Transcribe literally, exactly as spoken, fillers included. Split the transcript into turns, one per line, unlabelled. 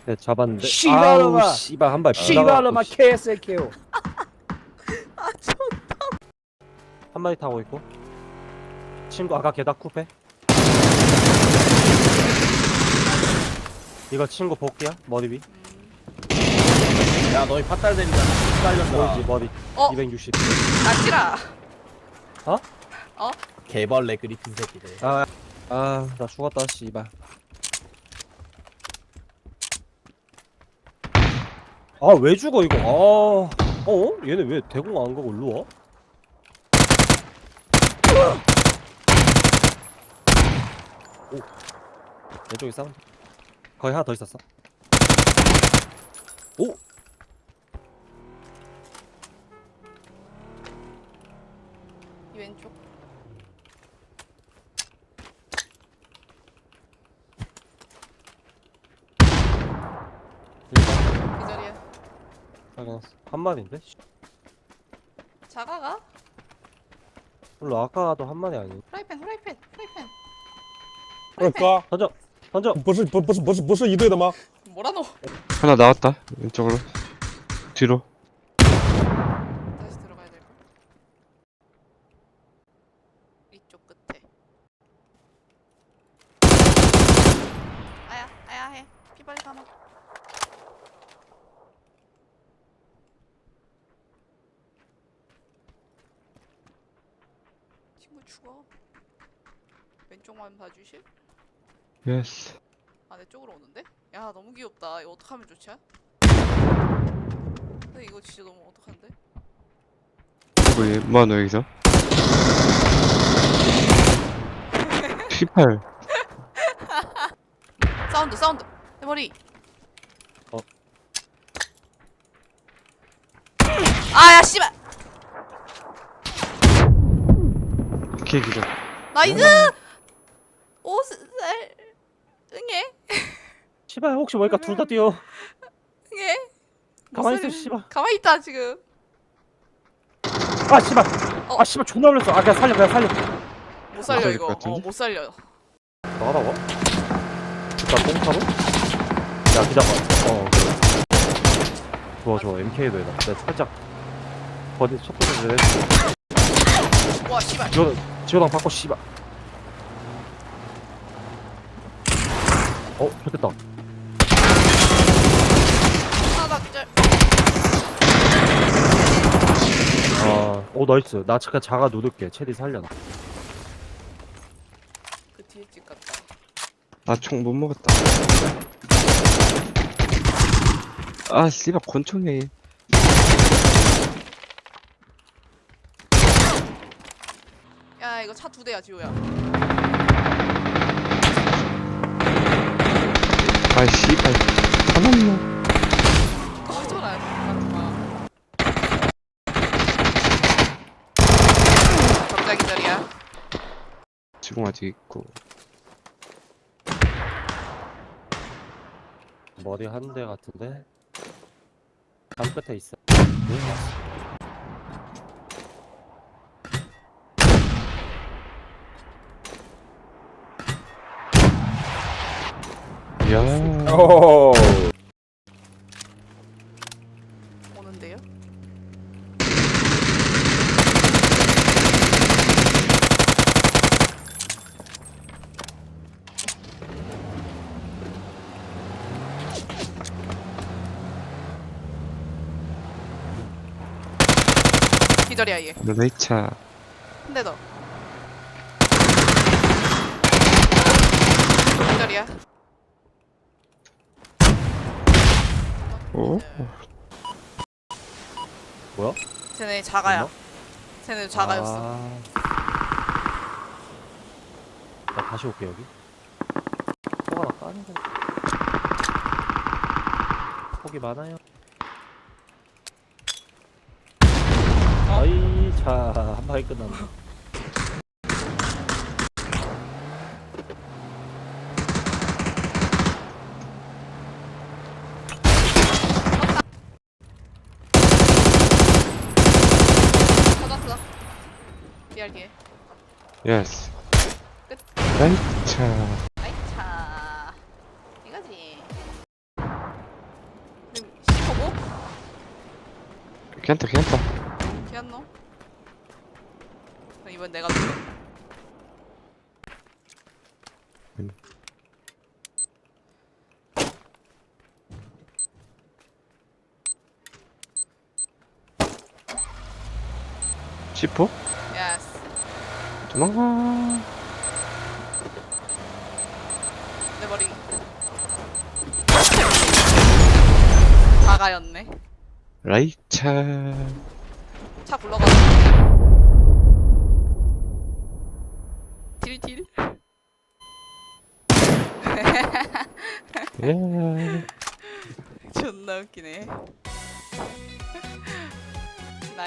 네, 잡았는데.
씨발놈아!
아우, 씨발 한발
씨발놈아 케이에스케오.
아, 저
한 마리 타고 있고. 친구 아까 게다 쿠페. 이거 친구 복귀야? 머리 위.
야 너희 팟달 대리잖아. 빨렸어.
보이지 머리.
어?
이백육십.
아치라.
어?
어?
개벌레 그리핀 새끼들.
아, 아, 나 죽었다, 씨발. 아, 왜 죽어 이거? 아, 어? 얘네 왜 대공 안 가고 일로 와? 오, 왼쪽에 사운드. 거의 하나 더 있었어. 오,
이 왼쪽.
일반
이 자리에.
확인했어. 한 마리인데?
자가가?
물론 아까도 한 마리 아니.
프라이팬, 프라이팬, 프라이팬.
二哥，
던져, 던져.
不是不不是不是不是一队的吗？
뭐라노?
하나 나왔다. 왼쪽으로. 뒤로.
다시 들어가야 될 걸. 이쪽 끝에. 아야, 아야 해. 피 빨리 감아. 친구 죽어. 왼쪽만 봐주실?
예스.
아, 내 쪽으로 오는데? 야, 너무 귀엽다. 이거 어떡하면 좋지? 근데 이거 진짜 너무 어떡한데?
뭐야, 뭐하노, 여기서? 피팔.
사운드, 사운드! 내 머리!
어.
아, 야, 씨발!
개 기절.
나이스! 오살 응애?
씨발 혹시 모르니까 둘 다 뛰어.
응애?
가만히
무슨-
있어, 씨발.
가만히 있다, 지금.
아, 씨발.
어.
아, 씨발 존나 놀랐어. 아, 그냥 살려, 그냥 살려.
못 살려,
살릴
이거.
것 같은데?
어, 못 살려.
나가라고? 일단 똥타로? 야, 기다려. 어, 그래. 좋아, 좋아. 엠케이도 해봐. 내가 살짝 버디 첫 번째 내가
와, 씨발.
지원 지원당 받고 씨발. 어, 좋겠다.
아, 나 진짜.
아, 오 나이스. 나 잠깐 자가 누를게. 체리 살려놔.
그 뒤에 집 같다.
나 총 못 먹었다. 아, 씨발, 권총이야, 얘.
야, 이거 차 두 대야, 지호야.
아, 씨발. 화났나?
꺼져라, 잠깐만. 적자 기절이야.
지금 아직 있고.
머리 한 대 같은데. 담 끝에 있어.
이야.
오.
오는데요? 기절이야, 얘.
너네 차.
한 대 더. 기절이야.
오?
뭐야?
쟤네 자가야.
됐나?
쟤네 자가였어.
아... 나 다시 올게 여기. 폭 하나 까는 거. 폭이 많아요. 아이 자, 한 방에 끝났네.
터졌어. 리얼기에.
예스.
끝.
라이트 차.
아이 차. 이거지.
괜찮다 괜찮다.
기안노? 그럼 이번 내가 들어.
음. 시포?
예스.
도망가.
내 머리. 다가였네.
라이차.
차 굴러가. 딜딜.
예.
존나 웃기네.